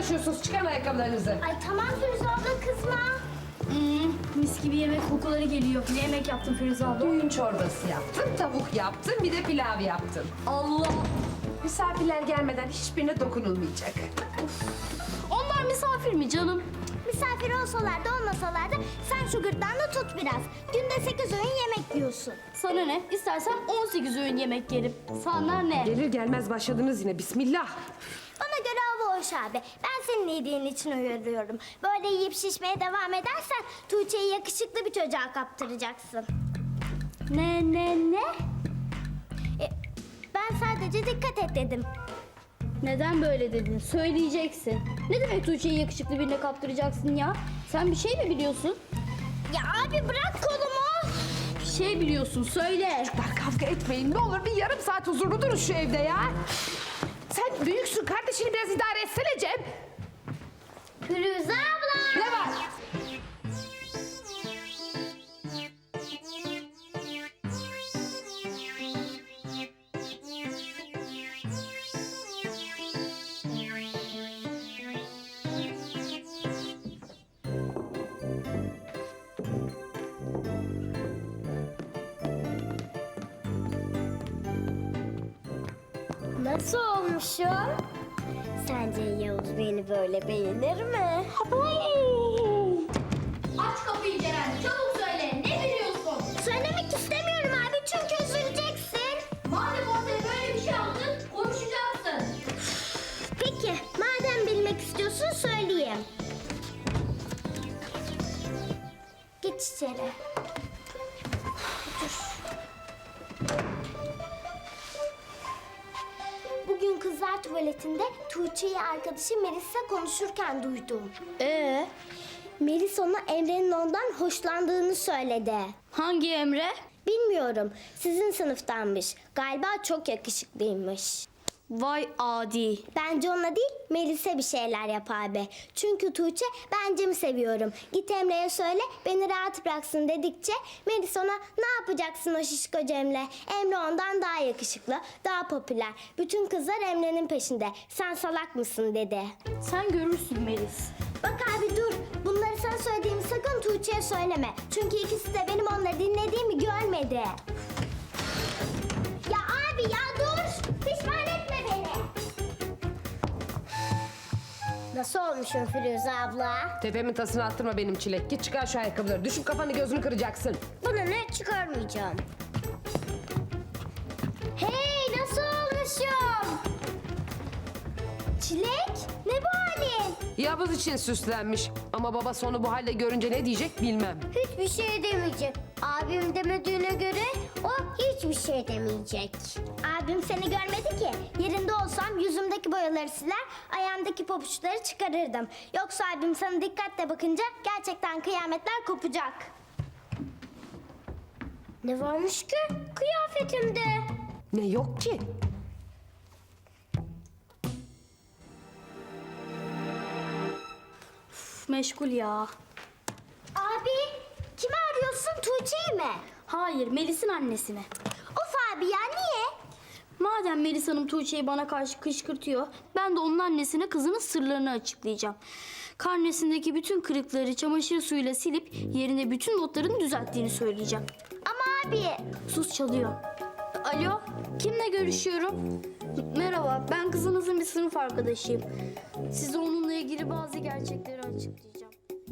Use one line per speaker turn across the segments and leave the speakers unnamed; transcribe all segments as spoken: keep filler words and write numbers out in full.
uğraşıyorsunuz? Çıkarın ayakkabılarınızı.
Ay tamam Firuze abla kızma.
Hmm, mis gibi yemek kokuları geliyor. Ne yemek yaptın Firuze abla?
Düğün çorbası yaptım, tavuk yaptım, bir de pilav yaptım.
Allah!
Misafirler gelmeden hiçbirine dokunulmayacak.
Onlar misafir mi canım?
Misafir olsalar da olmasalar da sen şu gırtlağını tut biraz. Günde sekiz öğün yemek yiyorsun.
Sana ne? İstersen on sekiz öğün yemek yerim. Sana ne?
Gelir gelmez başladınız yine. Bismillah.
Bana göre hava hoş abi. Ben senin iyiliğin için uyarıyorum. Böyle yiyip şişmeye devam edersen Tuğçe'yi yakışıklı bir çocuğa kaptıracaksın.
Ne ne ne?
E, ben sadece dikkat et dedim.
Neden böyle dedin? Söyleyeceksin. Ne demek Tuğçe'yi yakışıklı birine kaptıracaksın ya? Sen bir şey mi biliyorsun?
Ya abi bırak kolumu.
Bir şey biliyorsun, söyle.
Bak kavga etmeyin. Ne olur bir yarım saat huzurlu durun şu evde ya. Sen büyüksün. Kardeşini biraz idare etsene Cem.
Firuze abla.
Ne var?
Nasıl olmuşum? Sence Yavuz beni böyle beğenir mi?
Aç kapıyı Ceren, çabuk söyle. Ne biliyorsun?
Söylemek istemiyorum abi çünkü üzüleceksin.
Madem ortaya böyle bir şey aldın, konuşacaksın.
Peki madem bilmek istiyorsun söyleyeyim. Geç içeri. Bugün kızlar tuvaletinde Tuğçe'yi arkadaşı Melis'le konuşurken duydum.
Ee,
Melis ona Emre'nin ondan hoşlandığını söyledi.
hangi Emre?
Bilmiyorum, sizin sınıftanmış. Galiba çok yakışıklıymış.
Vay adi.
Bence ona değil, Melis'e bir şeyler yap abi. Çünkü Tuğçe, ben Cem'i seviyorum. Git Emre'ye söyle, beni rahat bıraksın dedikçe Melis ona ne yapacaksın o şişko Cem'le? Emre ondan daha yakışıklı, daha popüler. Bütün kızlar Emre'nin peşinde. Sen salak mısın dedi.
Sen görürsün Melis.
Bak abi dur, bunları sana söylediğimi sakın Tuğçe'ye söyleme. Çünkü ikisi de benim onları dinlediğimi görmedi. Ya abi ya dur, pişman etme beni. Nasıl olmuşum Firuze abla?
Tepemin tasını attırma benim çilek. Git çıkar şu ayakkabıları. Düşüp kafanı gözünü kıracaksın.
Bunu ne çıkarmayacağım. Hey nasıl olmuşum? Çilek ne bu halin?
Yavuz için süslenmiş. Ama babası onu bu halde görünce ne diyecek bilmem.
Hiçbir şey demeyecek. Abim demediğine göre o hiçbir şey demeyecek. Abim seni görmedi ki. Yerinde olsam yüzümdeki boyaları siler, ayağımdaki pabuçları çıkarırdım. Yoksa abim sana dikkatle bakınca gerçekten kıyametler kopacak. Ne varmış ki kıyafetimde?
Ne yok ki?
Üf, meşgul ya.
Abi kimi arıyorsun, Tuğçe'yi mi?
Hayır, Melis'in annesine.
Of abi ya niye?
Madem Melis Hanım Tuğçe'yi bana karşı kışkırtıyor, ben de onun annesine kızının sırlarını açıklayacağım. Karnesindeki bütün kırıkları çamaşır suyuyla silip yerine bütün notlarını düzelttiğini söyleyeceğim.
Ama abi.
Sus, çalıyor. Alo, kimle görüşüyorum? Merhaba, ben kızınızın bir sınıf arkadaşıyım. Size onunla ilgili bazı gerçekleri açıklayacağım.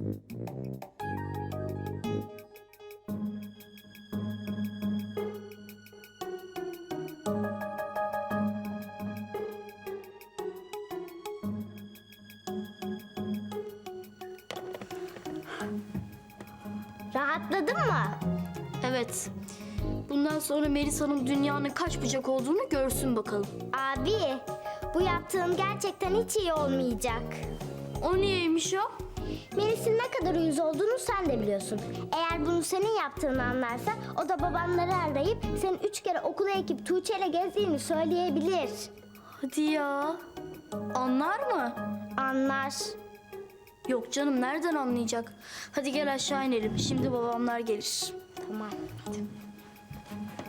Rahatladın mı?
Evet, bundan sonra Melis Hanım dünyanın kaç bucak olduğunu görsün bakalım.
Abi bu yaptığın gerçekten hiç iyi olmayacak.
O niyeymiş o?
Melis'in ne kadar uyuz olduğunu sen de biliyorsun. Eğer bunu senin yaptığını anlarsa o da babamları arayıp senin üç kere okula ekip Tuğçe ile gezdiğini söyleyebilir.
Hadi ya. Anlar mı?
Anlar.
Yok canım, nereden anlayacak? Hadi gel aşağı inelim. Şimdi babamlar gelir.
Tamam. Hadi.